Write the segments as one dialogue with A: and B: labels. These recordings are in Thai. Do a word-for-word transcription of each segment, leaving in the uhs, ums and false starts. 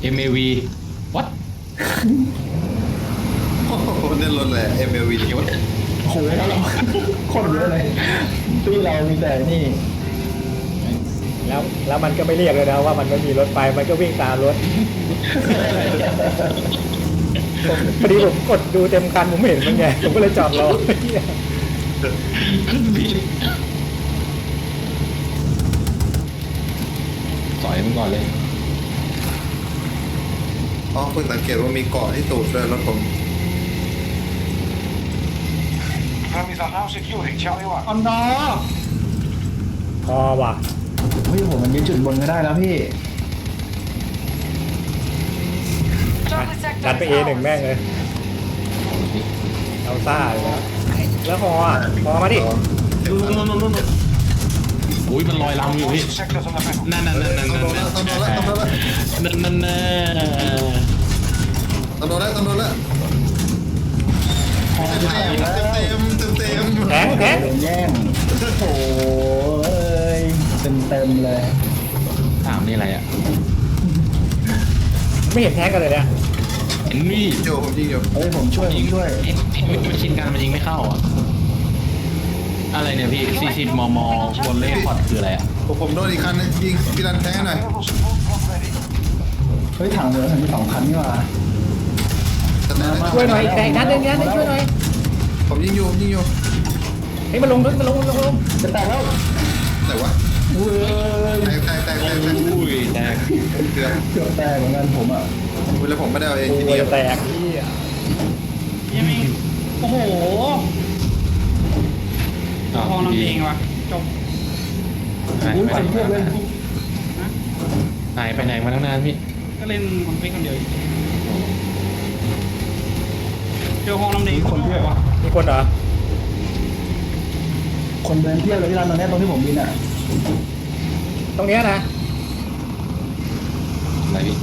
A: เอ็ม เอ วี what
B: โอ้โหเล่นรถเลย เอ็ม แอล วี
A: เดี๋ยว
C: โอ้โหแล้วเราคนเยอะเลยที่เรามีแต่นี่
D: แล้วแล้วมันก็ไม่เรียกเลยนะว่ามันไม่มีรถไฟมันก็วิ่งตามรถผมพอดีผมกดดูเต็มคันผมไม่เห็นมันไงผมก็เลยจอดรอ
A: ผิดสอยมันก่อนเลย
B: อ๋อเพิ่งสังเกตว่ามีเกาะที่ตูดด้วยรถผม
E: Friendlies are now securing Charlie one.
C: อันนอ
D: พอว่ะ
C: เฮ้ยผมมันยึดจุดบนก็ได้แล้วพี่
D: ดันไปเอหนึ่งแม่งเลยเอาซ่าเลยนะแล้วพออ่ะพอมาดิ
A: นู่นนู่นนู่นนู่นอุ้ยมันลอยลำอยู่พี่
E: Most sectors on the map.
A: นั่นนั่นนั่นนั่น
B: ต้องโดนแล้วต้องโดนแล้วต้องโดนแล้ว
A: นั่นนั่นนั่น
B: ต้องโดนแล้วต้องโดนแล้วเต็มเต็มเต็มเต็ม
D: แทงแทง
C: โดนแย่งโอ้ยเต็มเต็มๆเลย
A: ถามนี่อะไรอ่ะ
D: ไม่เห็นแทงกันเลยเนี่ย
A: เห็นนี่
B: โยผมยิงอยู่
C: เฮ้ยผมช่วยผมช่วย
A: เอ็เอ็มันชินกันมันยิงไม่เข้าอ่ะอะไรเนี่ยพี่สี่สิบมมบนเลขพอดคืออะไรอ่ะ
B: ผมผมโดนอีกคันนึงยิงพี่รันแทงหน่อย
E: Available support drop ready.
C: เฮ้ยถังเหลือถังมีสองคันนี่หว่า
B: แต่นั้น
D: ช่วยหน่อยแต่นัดนึงนัดนึงช่วยหน่อย
B: ผมยิงอยู่ผมยิงอยู่
D: เฮ้ยมันลงมันลงมันลงมันลง
C: จะแตกแล้ว
B: แต่ว่า
C: เว้ย
B: แตกแตกแตกแตกแตก
A: อุ้ยแตก
B: เกือบ
C: เกือบแตกเหมือนกันผมอ่ะ
B: แล้วผมไม่ได้เอาเอง
D: โอ้
B: ที
D: ย
B: เดียว
D: จะแตกนี่อ่ะ
F: ยังมีโอ้โห
A: อ้าว
F: พอลำเองวะจบ
A: หาย
C: อุ้ย
A: ไป
C: พันเทียบเลย
A: หายไปไหนมาตั้งนานพี่
F: ก็เล่นคนเป็นคนเดียวอีกเจอห้องลำเองคนด้วยวะ
D: มีคนเหรอ
C: คนเดินเที่ยวเลยที่ร้านตรงเนี้ยตรงที่ผมบินอ่ะ
D: ตรงเนี้ยนะ
A: อะไรพี่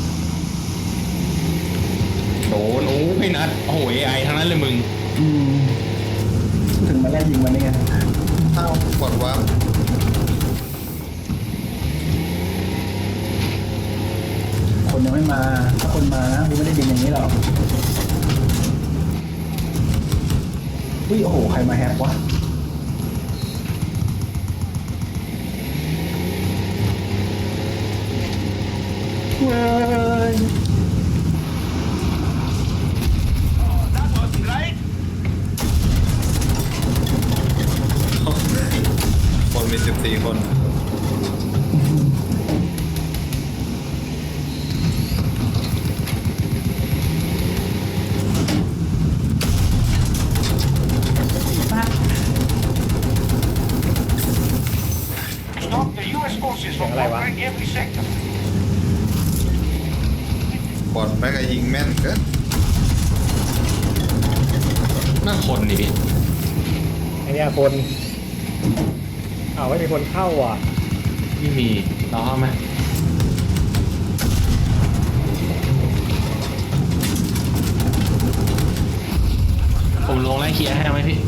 A: โดนโอ้ไม่นัดโอ้โหเอไอทั้งนั้นเลยมึง
C: อืมถึงมาไล่ยิงมันนี่ไง
B: ถ้ากดวาร์ป
C: คนยังไม่มาถ้าคนมานะกูไม่ได้บินอย่างนี้หรอกอุ้ยโอ้โหใครมาแฮกวะเว้ย
E: That wasn't right.
B: คนมีสิบสี่คน
E: Stop the U S forces from conquering every sector.
B: บอดแม็กยิงแม่นเกิน
A: น่าคนนี่พี่
D: ไอเนี้ยคนอ้าวไม่มีคนเข้าอ่ะ
A: ไม่มีเราเข้าไหมผมลงไล่เคลียร์ให้ไหมพี่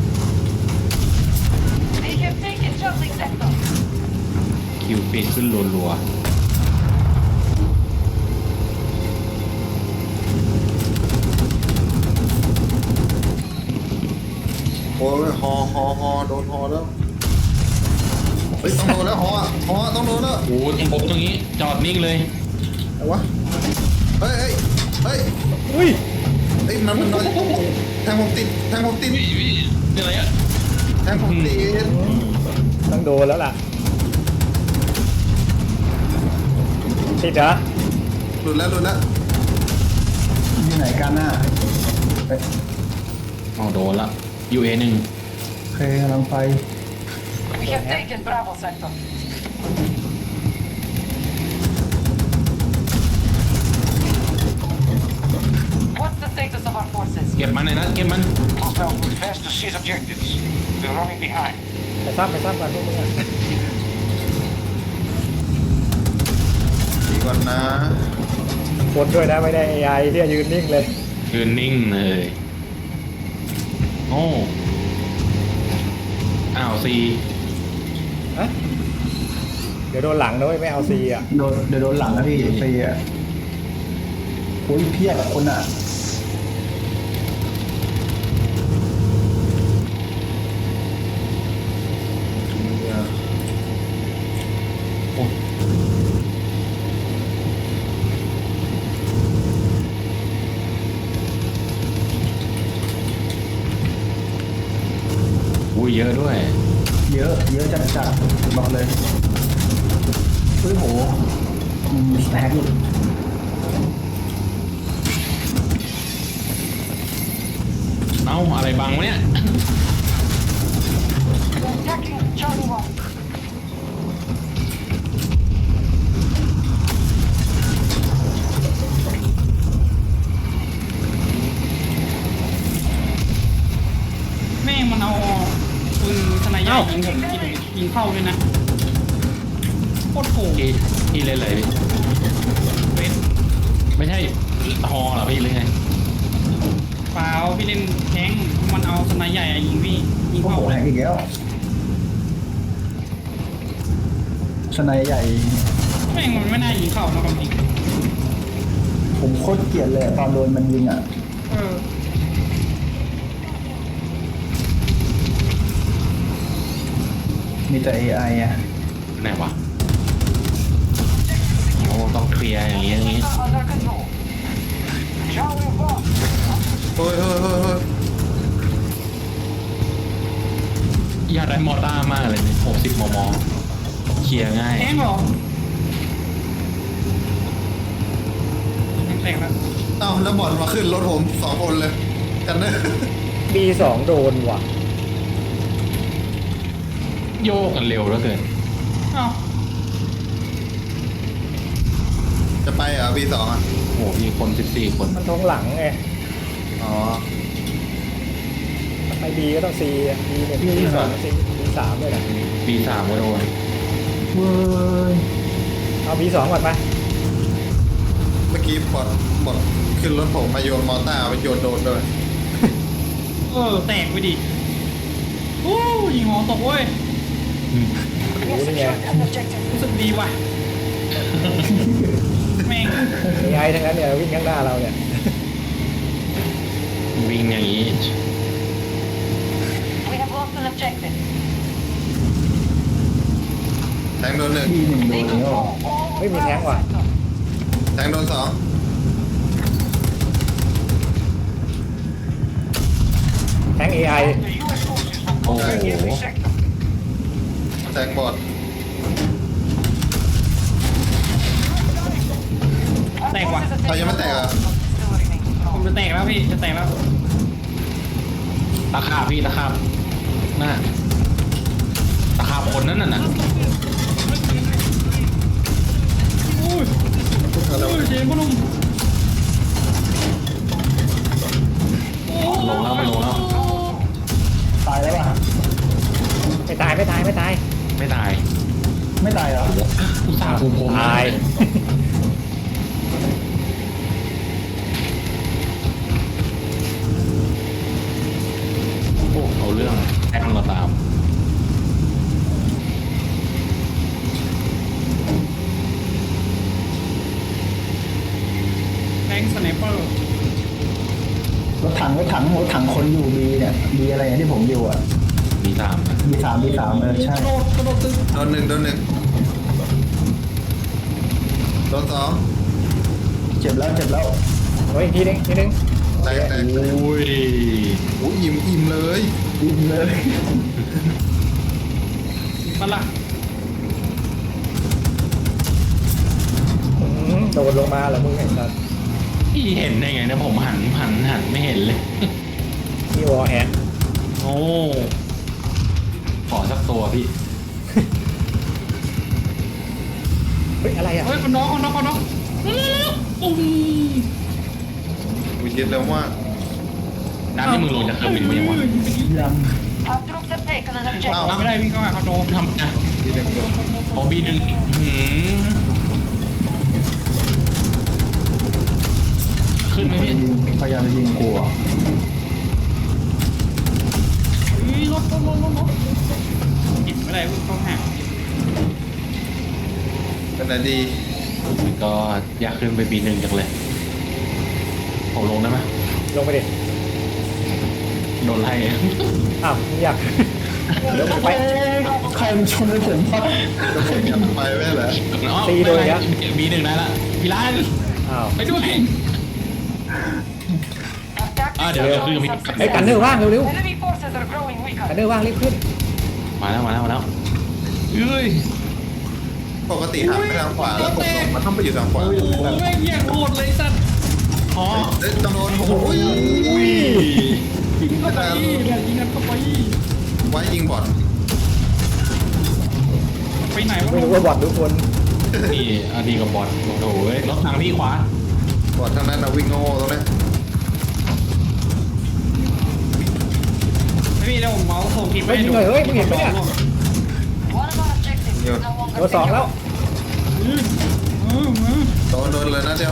G: They have taken Charlie sector.
A: คิวปีดขึ้นรัว
B: โอ้ยฮอฮอฮอโดนฮอแล้วเฮ้ยต้องโดนแล้วฮอฮอต้องโดนแล้ว
A: ๆโอ้ยผมตรงนี้จอดนิ่งเลย
B: อะไรวะเฮ้ยเฮ้ยเฮ้ย
D: อุ้ย
B: เฮ้ยมันมันนอนแทงผมติดแทงผมติด
A: วิวิเป็นอะไรอ่ะ
B: แทงผมติด
D: ต้องโดนแล้วล่ะติดเหรอ
B: หลุดแล้วหลุดแล้ว
C: อยู่ไหนกันน่ะเอ้ย
A: เอาโดนละยูเอหนึ่ง
C: โอเคกำลังไป
G: We have taken Bravo sector. What's the status of our forces?
A: เก็บมันเลยนะเก็บมัน
E: Hostiles move fast to seize objectives. We're running behind.
D: ไปซ้ำไปซ้ำกันพวกมึงอ่ะ
B: ดีก่อนนะ
D: คนด้วยนะไม่ได้เอไอที่ยืนนิ่งเลย
A: ยืนนิ่งเลยโอ้อ้าวซี
D: ฮะเดี๋ยวโดนหลังนะเว้ยไม่เอาซีอ่ะ
C: โดนเดี๋ยวโดนหลังนะพี่ฟรีอ่ะโอ้ยเพียบอะคนอ่ะ
A: อุ้ยเยอะด้วย
C: เยอะเยอะจัดจัดบอกเลยเฮ้ยโหมีสแต็กอีก
A: เอ้าอะไรบังวะเนี่ย
G: Attacking Charlie one.
F: แม่งมันเอาปืนสไนเปอร์ยิงผมยิงยิงเข้าด้วยนะโคตรโกง
A: พี่พี่เล่นอะไรพี่
F: เวท
A: ไม่ใช่ฮอเหรอพี่หรือไง
F: เปล่าพี่เล่นแทงค์มันเอาสไนใหญ่อะยิงพี่ยิง
C: โอ้
F: เข้า
C: โหแหกอีกแล้วสไนใหญ่
F: แม่งมันไม่น่ายิงเข้านะความจริง
C: ผมโคตรเกลียดเลยอะตอนโดนมันยิงอ่ะ
F: เออ
C: มีแต่ เอ ไอ อ่ะ
A: ไหนวะโอ้ต้องเคลียร์อย่างงี้อย่างงี้
G: Under control.
E: Charlie one.
B: เฮ้ยเฮ้ยเฮ้ยเฮ้ย
A: อยากได้มอต้ามากเลยเนี่ยหกสิบมมเคลียร์ง่าย
F: แทงค์เหรอแตกแล้ว
B: เอ้าแล้วบอลมาขึ้นรถผมสองคนเลยกันเนอะ
D: บีสองโดนว่ะ
A: โยกกันเร็วแล้วเกิน
F: เอ้า
B: จะไปเหรอบีสองอ่ะ
A: โอ้โหมีคนสิบสี่คน
D: มันท้องหลังไง
B: อ๋อ
D: ไปบีก็ต้องซีบีเนี่ยบีสองซีบีสามเลยนะ
A: ปีสามก็โดน
C: เว้ย
D: เอาบีสองก่อนไป
B: เมื่อกี้บอลบอลขึ้นรถผมมาโยนมอเต้าไปโยนโดนด้วย
F: เออแตกไปดิโอ้ยิงหอตกเว้ย
D: รู้นี่ไง
G: An objective.
F: รู้สึกดีว่ะแม่ง
D: เอไอทั้งนั้นเนี่ยวิ่งข้างหน้าเราเนี่ย
A: วิ่งอย่างนี้
G: We have lost an objective.
B: แทงโดนหนึ่ง
C: ที่หนึ่งโด
G: They
C: นแล้ว
G: control all
D: Maybe
G: Bravo
D: tháng rồi.
G: sector.
B: แทงโดนสอง
D: แทงเอไอ
E: The U S forces will contact every sector.
B: แทงบอด
G: Our
F: Tag
G: forces
F: one.
G: have
B: Oh,
G: taken
B: you meant
G: the
B: tag,
G: wall,
B: ah?
G: but still remain
F: ผม
G: strong.
F: จะแตกแล้วพี่จะแตกแล้ว
A: ตะขาบพี่ตะขาบน่าตะขาบคนนั้นน่ะนะ
F: อุ้ยอุ้ยเจมส์พนุ่มโอ้
A: ลงแล้วมันลงแล้ว
C: ตายแล้วป่ะ
D: ไม่ตายไม่ตายไม่ตาย
A: ไม่ตาย
C: ไม่ตายเหรอ
A: อุตส่าห์ภูมิผม
D: ตาย
A: โอ้เอาเรื่องแทงเราตาม
F: แบงค์สไนเปอร์
C: รถถังรถถังรถถังคนอยู่บีเนี่ยบีอะไรเนี่ยที่ผมอยู่อ่ะ
A: มีสามนะ
C: บีสามบีสามเออใช่
F: กระโดดกระโดดตึก
B: โดนหนึ่งโดนหนึ่งโดนสอง
C: เจ็บแล้วเจ็บแล้ว
D: โอ้ยอีกทีนึงทีนึง
B: แตกแตก
A: โอ้ย
B: โอ้ยอิ่มอิ่มเลย
C: บินเลย
F: มาละ
D: อืมโดดลงมาเหรอมึงไอ้สัส
A: พี่เห็นได้ไงนะผมหันหันหันไม่เห็นเลย
D: นี่วอลแฮน
A: โอ้ขอสักตัวพี่
D: เฮ้ยอะไรอ่ะ
F: เฮ้ยคนน้องคนน้องคนน้องเร็วๆๆปุ้ม
B: วิจิตรแล้วว่า
A: น้ำที่มึงลงจากเครื่องบินไปยังวะ
C: ยัง
G: Our troops have taken an
B: เอ้า
G: objective.
F: ไม่ได้วิ่งเข้าหาคอนโด
A: ทำนะ
B: ทีหนึ่งโดน
A: พอบีหนึ่งหืมขึ้นไหมพี่
C: ยิงพยายามจะยิงกูอ่ะ
F: เฮ้ยรถรถรถรถรถกินไม่ได้วิ่งเข้าหา
B: เป็นไหนดี
A: ก็อยากขึ้นไปบีหนึ่งจังเลยผมลงได้ไหม
D: ลงไปดิ
A: โดนไล่
D: อ้าวไม่อยากเดี๋ยวผมไป
C: ใครมันชนในผมวะ
B: จะผมกันไปไม่เหรอ
D: ตีโดนอีกแล้ว
A: มีหนึ่งได้ละพี่ร้าน
D: อ้าว
A: ไปด้วย
G: Attack
A: Ah,
G: the
A: there we go.
G: control
A: We-
D: ไอ้ย
G: subsystem.
D: กันเนอร์ว่างเร็ว
G: Enemy forces are growing
D: ๆ
G: weaker.
D: กันเนอร์ว่างรีบขึ้น
A: มาแล้วมาแล้วมาแล้วเอ้ย
B: ปกติหันไปทางขวาแล้วผมมันต้องไปอยู่ทางขวา
F: โอ้โหแม่งแย่งโหดเลยสัตว์
A: อ๋อ
B: เอ้ยต้องโดนโอ้โหอุ้ย
F: ยิงเข้าไปเนี่ยยิงกันเข้าไป
B: ไว้ยิงบอล
F: ไปไหนวะ
D: ไม่รู้ว่าบอดทุกคน
A: นี่อันนี้กับบอดโอ้โหเว้ยรถทางพี่ขวา
B: บอลทางนั้นนะวิ่งโง่ตรงนี้
F: ไม่มีแล้วผมเมาส์ส่งทีม
D: เฮ้ยยิงเลยเฮ้ยมึงเห็นไหมเนี่ย
G: One of our objectives is no longer
D: ตัวสองแล้ว
F: อืมอืมอืม
B: โดนโดนเลยนะเดียว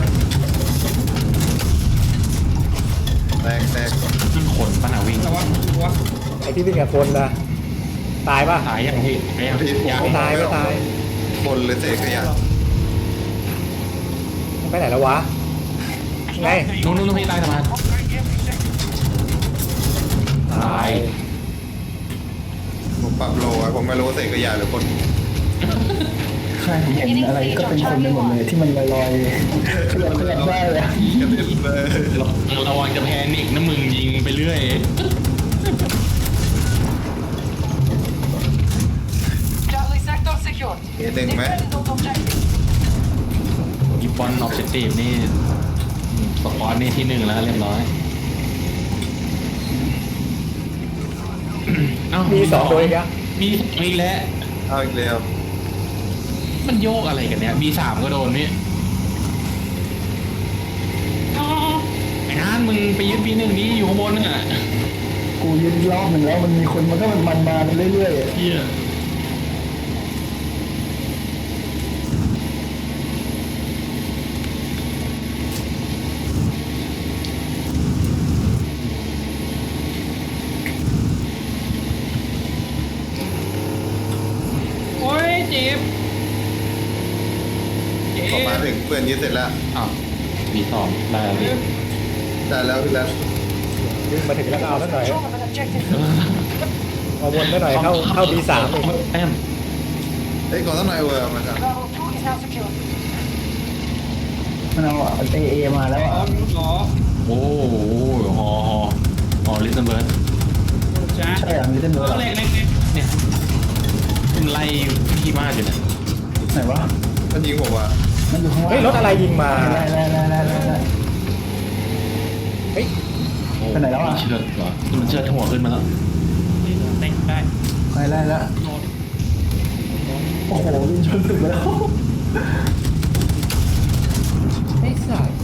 B: แตกแตก
A: ขึ้นขนป้าหนาวิ่ง
F: แต่ว่าว่า
D: ไอ้ที่วิ่งกับคนนะตายป่ะ
A: ตายยังพี่ไม่ยัง
B: พี่ผม
A: ยัง
D: ไม่ตายไม่ตาย
B: คนหรือเศษขยะ
D: มันไปไหนแล้ววะไง
A: นู้นนู้นพี่ใต้สะพาน
E: Upgrade every second.
D: ตาย
B: ผมปรับโลไว้ผมไม่รู้ว่าเศษขยะหรือคน
C: ใช่ผมเห็นอะไรก็เป็นคนไปหมดเลยที่มันลอยๆขยับขยับได้เลย
B: กระเด็นเลย
A: เราระวังจะแพนิกนะมึงยิงไปเรื่อย
G: Charlie sector secured.
B: เห็นหนึ่งไหม
G: Defend those objectives.
A: อีบอลออบเจกตีฟนี่สปอร์ตนี่ที่หนึ่งแล้วเรียบร้อยเอ้า
D: มีสองตัวอีกอะ
A: มีมีแล้ว
B: เอาอีกแล้ว
A: มันโยกอะไรกันเนี่ยมีสามก็โดนพี่อ๋อไอ้นานมึงไปยึดปีหนึ่งนี้อยู่ข้างบนน่ะ
C: กูยืนรอบหนึ่งแล้วมันมีคนมันก็มันมันมาเรื่อย
A: เฮีย
F: โอ้ยเจ็บเจ็
B: พอมา
F: บ
B: ถึงเพื่อนยึดเสร็จแล้ว
A: อ้าวมีสองได้แล้วพี่
B: ได้แล้วพี่แล้ว
D: วิ่งมาถึงแล้วก็เอาสักหน่อย
G: Control of an objective.
D: เอาวนสักหน่อยเข้าเข้าดีสามอีก
A: แต้ม
B: เฮ้ยก่อนต้องหน่อยเวอร์มาครับ
G: Bravo two is now secured.
C: ๆมันเอาเอเอมาแล้ว
F: อ๋อ
C: อะ
F: มีหรอ
A: โอ้โหฮอฮอฮอลิสเบิร์ด
F: จ้า
C: ใช่อ่ะมีเส้น
F: เอ
C: เนื้อ
F: อเล็กเล็กเล็ก
A: เนี่ยมันไล่พี่มากอยู่เนี่ย
C: ไหนวะ
B: มันยิงผมว่ะ
C: มันอยู่ข้างล่าง
D: เฮ้ยรถอะไรยิงมา
C: ไล่ไล่ไล่ไล่ไล่ไล่
D: เฮ้ย
A: โอ้
C: ไปไหนแล้วอะ
A: เชือดเหรอมันเชือดหัวขึ้นมาแล้ว
F: เต็งได้
C: ไล่ไล่แล้ว
F: โดน
C: โอ้โหวิ่งชนตึกไปแล้ว
D: ไอ้สัส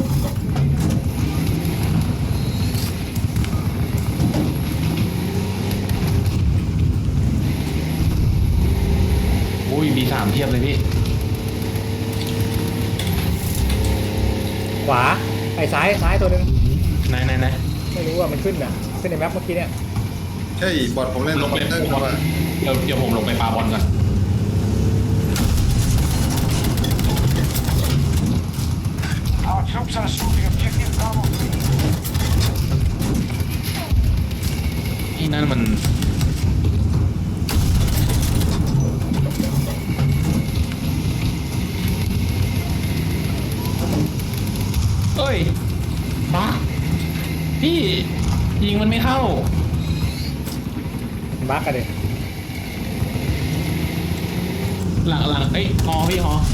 A: อุ้ยมีสามเทียบเลยพี่
D: ขวาไอ้ซ้ายซ้ายตัวหนึ่ง
A: ไหนไหนไหน
D: ไม่รู้ว่ามันขึ้นอ่ะขึ้นในแมปเมื่อกี้เนี่ย
B: ใช่บอดผมเล่น
A: ล
B: ล
A: ง
B: ง
A: ไป
B: ไปเตอร์
A: บอล
B: มา
A: เดี๋ยวเดี๋ยวผมลงไปปาบอลก่อน
E: Our troops are assaulting objective Bravo three.
A: ที่นั่นมันเอ้ยบ้าพี่ยิงมันไม่เข้า
D: บักกันเลย
A: หลังหลังเอ้ยฮอพี่ฮอ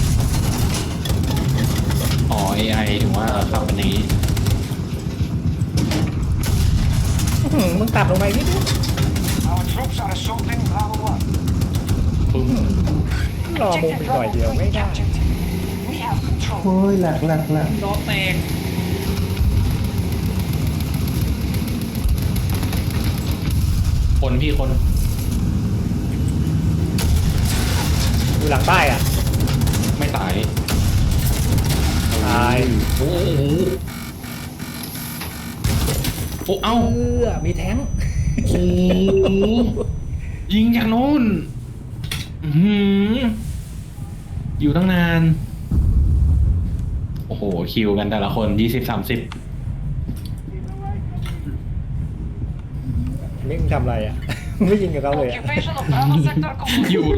A: อ๋อ เอ ไอ ถึงว่าขับเป็นอย่างนี้
D: อื้อหือมึงตัดลงไปนิดนึง
E: Our troops are assaulting Bravo one.
A: ปึ้ง
D: รอมุม
G: Objective
D: อีกหน่อย
G: Bravo
D: เดียว
G: three
D: ไม่ได้
G: captured. We have control.
C: โอ้ยแหลกแหลกแหลก
F: ล้อแตก
A: คนพี่คน
D: อยู่หลังป้ายอ่ะ
A: ไม่ตาย
D: ตาย
A: โอ้โหโอ้เอ้า
D: เออมีแท้ง
A: โอ้โหยิงจากโน้นอื้อหืออยู่ตั้งนาน โอ้โห คิวกันแต่ละคนยี่สิบสามสิบ
D: มิกมึงทำอะไรอ่ะ ไม่ยิงกับเขาเลยอะ
G: Occupation of Bravo sector complete.
A: อยู่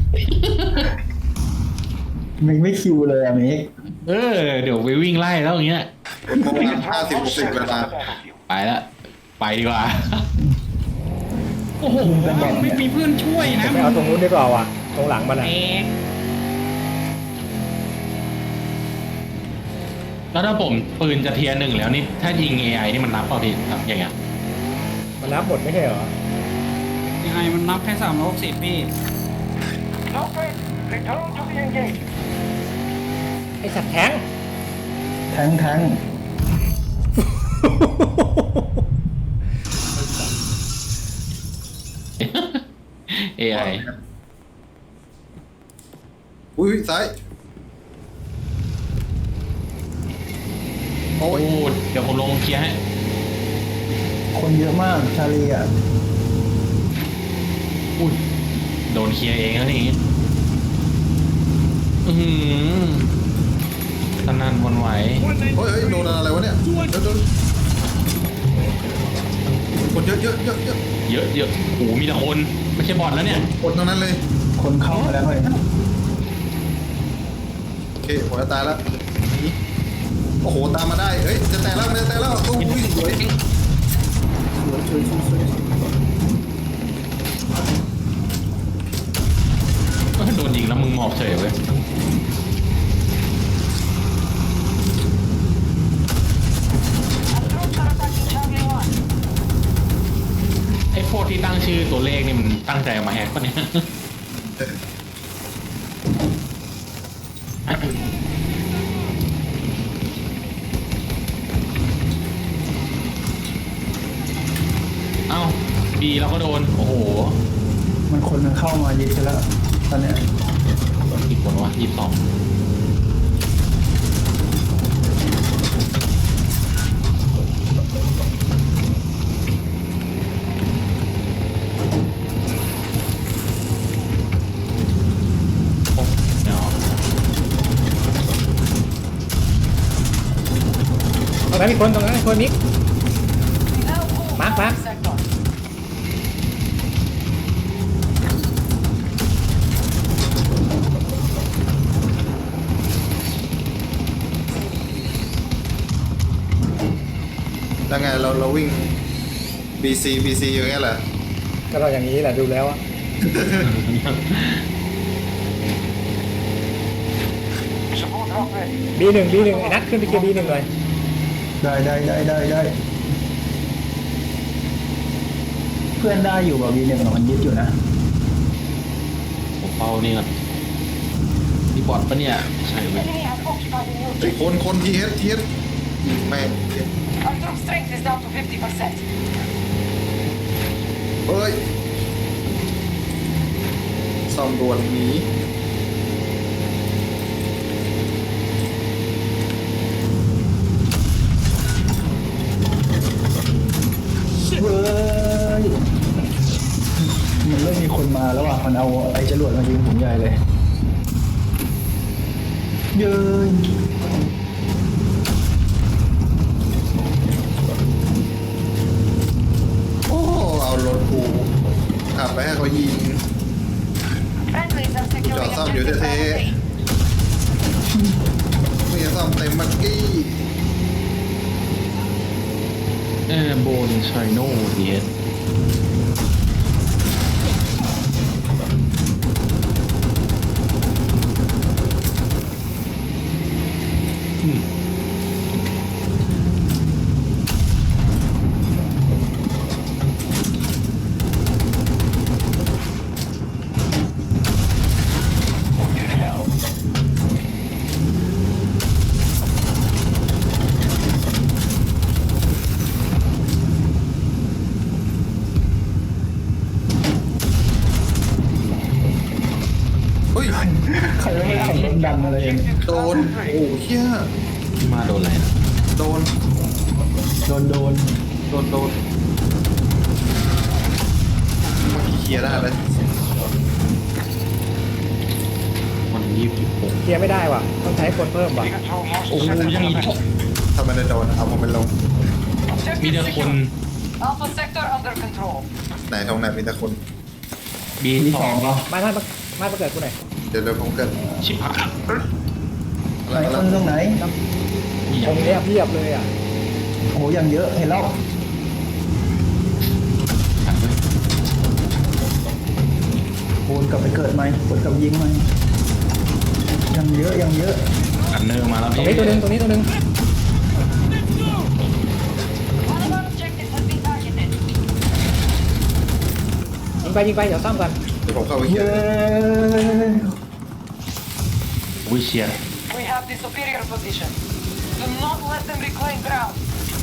C: มันไม่คิวเลยอะเมก
A: เออ เดี๋ยวไปวิ่งไล่แล้วอย่างเงี้ย
B: โมงห้าสิบหกสิบเวลา
A: ไปละ ไปดีกว่า
F: โอ้โหไม่มีเพื่อนช่วยนะ
D: ไปเอาตรงนู้นดีกว่าว่ะตรงหลังมันอ่ะ
F: แตก
A: แล้วถ้าผมปืนจะเทียร์หนึ่งแล้วนี่ ถ้ายิง เอ ไอ นี่มันนับเปล่าพี่ครับอย่างเงี้ย
D: มันนับหมดไม่ใช่เหรอ
F: ยังไงมันนับแค่สามร้อยหกสิบพี่
E: Okay, return to the engage.
D: ไอสัตว์แทง
C: แทงแทง
A: เอ ไอ
B: อุ้ยซ้ายโอ้
A: โอ้
B: ย
A: เดี๋ยวผมลงเคลียร์ให้
C: คนเยอะมากชาลีอ่ะ
A: อุ้ยโดนเคลียร์เองแล้วนี่อือหือสนั่นหวันไหว
B: เฮ้ยเฮ้ยโดนอะไรวะเนี่ยโดนโดนคนเยอะเยอะเยอะเยอะ
A: เยอะเยอะโอ้โหมีแต่คน ไม่ใช่บอทแล้วเนี่ย
B: คนทั้งนั้นเลย
C: คนเข้ามาแล้วเลย
B: โอเคผมจะตายแล้วหนีโอ้โหตามมาได้เฮ้ยจะแตกแล้วจะแตกแล้วอุ้ยสวยสวยสวยสวย
A: โดนยิงแล้วมึงหมอบเฉยเว้ย
G: Troops are attacking Charlie one.
A: ไอ้พวกที่ตั้งชื่อตัวเลขนี่มันตั้งใจเอามาแฮกปะเนี่ย เอ้าบีเราก็โดน โอ้โห
C: มันคนมันเข้ามาเยอะแล้วตอนเนี้ย
A: อีกคนวะยี่สิบสองโอ้เนาะ
D: ตรงนั้นมีคนตรงนั้นมีคนมิก
G: Now move
D: Mark,
G: Bravo
D: Mark.
G: sector.
B: แล้วไงเราเราวิ่ง บี ซี บี ซี อย่างเงี้ยแหละ
D: ก็เราอย่างนี้แหละดูแล้วอะ
E: Support drop ready.
D: บีหนึ่งบีหนึ่งไอ้นัทขึ้นไปเกียร์บีหนึ่งเลย
C: ได้ได้ได้ได้ได้เพื่อนได้อยู่แบบวีหนึ่งมันยึดอยู่นะ
A: ผมเฝ้านี่ก่อนนี่บอทปะเนี่ย ใช่เว้ย
G: Enemy has occupied the new
B: ไอ้
G: objective.
B: คนคนทีเอสทีเอสแม่ง
G: Our troop strength is down to fifty percent.
B: เฮ้ยซ่อมด่วนหนี
C: เว้ยมันเริ่มมีคนมาแล้วอ่ะมันเอาไอ้จรวดมายิงผมใหญ่เลยเย้ย
B: โอ้เอารถกูขับไปให้เขายิง
G: Friendlies are securing
B: Cho xong
G: objective
B: dưới thế.
G: Bravo B.
B: ไม่ใช่ซ่อมเต็มมักกี้
A: เออโบนไชโน่ดีเอส
B: เฮ้ย
C: ใครไม่ได้ขับรถดันอะไรเอง
B: โดนโอ้เฮีย
A: มาโดนอะไรนะ
B: โดน
C: โดนโดน
B: โดนโดนเมื่อกี้เคลียร์ได้เลย
A: มันยี่สิบหก
D: เคลียร์ไม่ได้ว่ะต้องใช้คนเพิ่มว่ะ
E: We control most
A: โอ้โห
E: sectors
A: ยัง
E: of
A: อี
E: the
A: ก
E: mission.
B: ถ้ามันได้โดนเอาผมเป็นลง
A: มี
G: Objective
A: แต่คน
G: secure. Alpha sector under control.
B: ไหนตรงไหนมีแต่คน
A: บี
C: มี
A: ส
C: ส
A: อ
C: อง งเหรอ
D: ไม่ไม่ไม่มาเกิดกูหน่อย
B: เดี๋ยวเดี๋ยวผมเกิด
A: ชิบหาย
B: อะไร
C: ไหน
B: อะไร
C: คนตรงไหน
A: มีอ
D: ตร
A: ย่าง
D: งเนี้ยเพียบเลยอ่ะ
C: โอ้โหยังเยอะเห็นแล้วคูณกลับไปเกิดไหมกดกลับยิงไหมยังเยอะยังเยอะ
A: อันเนอร์มาแล้ว
D: ตรง
A: พี่
D: นี้ตัวหนึงตรงนี้ตัวหนึง
G: One of our objectives has been targeted.
D: ยิงไปยิงไปเดี๋ยวซ่อมกัน
B: เดี๋ยวผมเข้าไปเคลีย
C: เย้
B: ร์
A: อุ้ยเชียร์
G: We have the superior position. Do not let them reclaim ground.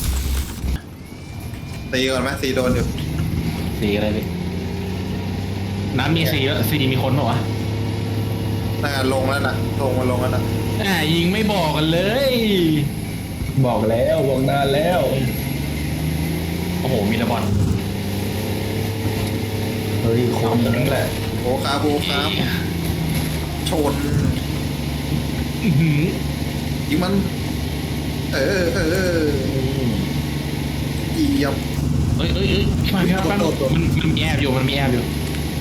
B: ตีก่อนไหมตีโดนอยู่
A: สีอะไรพี่น้ำมีสีแล้วสีมีคนเปล่าวะ
B: น่าลงแล้วนะลงมาลงแล้วนะ
A: อ่ายิงไม่บอกกันเลย
C: บอกแล้วบอกนานแล้ว
A: โอ้โหมีระบอด
C: เฮ้ยคนนั่นแหละ
B: โอ้คาโบครับชน
A: อื้อหือ
B: ยิงมัน เออเออเยี่ยม
A: เอ้ยเอ้ยเอ้ยพี่มาพี่มาแป๊บนึงมันมันมีแอบอยู่มันมีแอบอยู่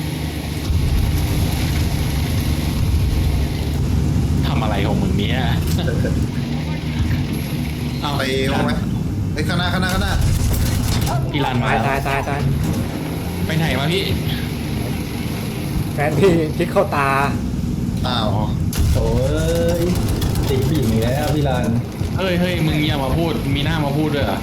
A: ทำอะไรของมึงเนี่ยเอา
B: ไปเอาไหมไอ้ยข้างหน้าข้างหน้าข้างหน้า
A: พี่ลานมา
D: ตาย
A: แล้ว
D: ตายตายตาย
A: ไปไหนมาพี่
D: แฟนพี่พลิกเข้าตา
B: อ้าว
C: โอ้ยติดปีกอีกแล้วพี่ลาน
A: เฮ้ยเฮ้ยมึงอย่ามาพูดมีหน้ามาพูดด้วยเหรอ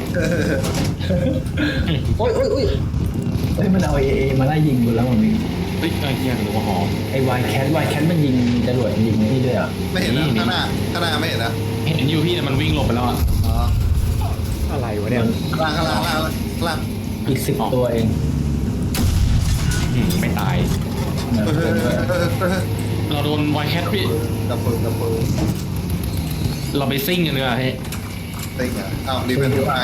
C: โอ้ยโอ้ยโอ้ยเฮ้ยมันเอาเอเอมาไล่ยิงกูแล้วมันมี
A: เฮ้ยไอ้เหี้ยหรือว่าหอม
C: ไอ้วายแคทวายแคทมันยิงจรวดยิงนี่ด้วยอ่ะ
B: ไม่เห็นนะ
A: นี่
B: ข้างหน้าข้างหน้าไม่เห็นนะ
A: เห็นอยู่พี่แต่มันวิ่งหลบไปแล้วอ่ะ
B: อ๋อ
D: อะไรวะเนี่ย
B: ข้างล่างข้างล่างข้างล่างข้างล่าง
C: อีกสิบตัวเอง
A: อืมไม่ตาย
C: นะ
B: เออเออเออเออ
A: เราโดนไวแคทพี่
B: ดับเบิลดับเบิล
A: เราไปซิ่งกันเนีกว่ยเฮ้ย
B: เต็งอ่ะอ้าวรีเป็นผู้ชาย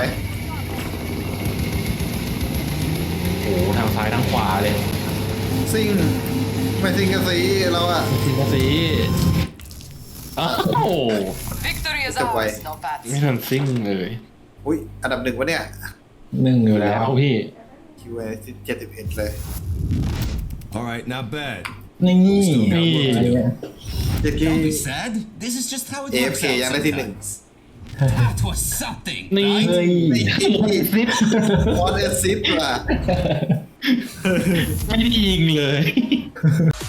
A: โอ้โหทางซ้ายทางขวาเลย
B: ซิ่งไม่ซิ่งกันสิเราอ่ะ
A: ซิ่งกะสีอ้าว
G: Victory is
B: Step away.
G: ours. No bad.
A: ไม่ทันซิ่งเลย
B: อุ้ยอันดับหนึ่งวะเนี่ย
C: หนึ่งอยู่แล้
A: แล้ว วพี่
B: คิวเอเจ็ดสิบเอ็ดเลย
H: All right, not bad.
C: นี่
A: นี่
C: อันนี้
B: เจ็ด
H: Don't
B: ที่
H: be sad. This is just how it
B: เอฟ
H: works
B: เค
H: out
B: ยังได้ที่หนึ่ง
H: sometimes. That was something.
A: นี่
C: เฮ้ย
A: ซิป
B: วอตเอซิสว่ะ
A: ไม่ได้ยิงเลย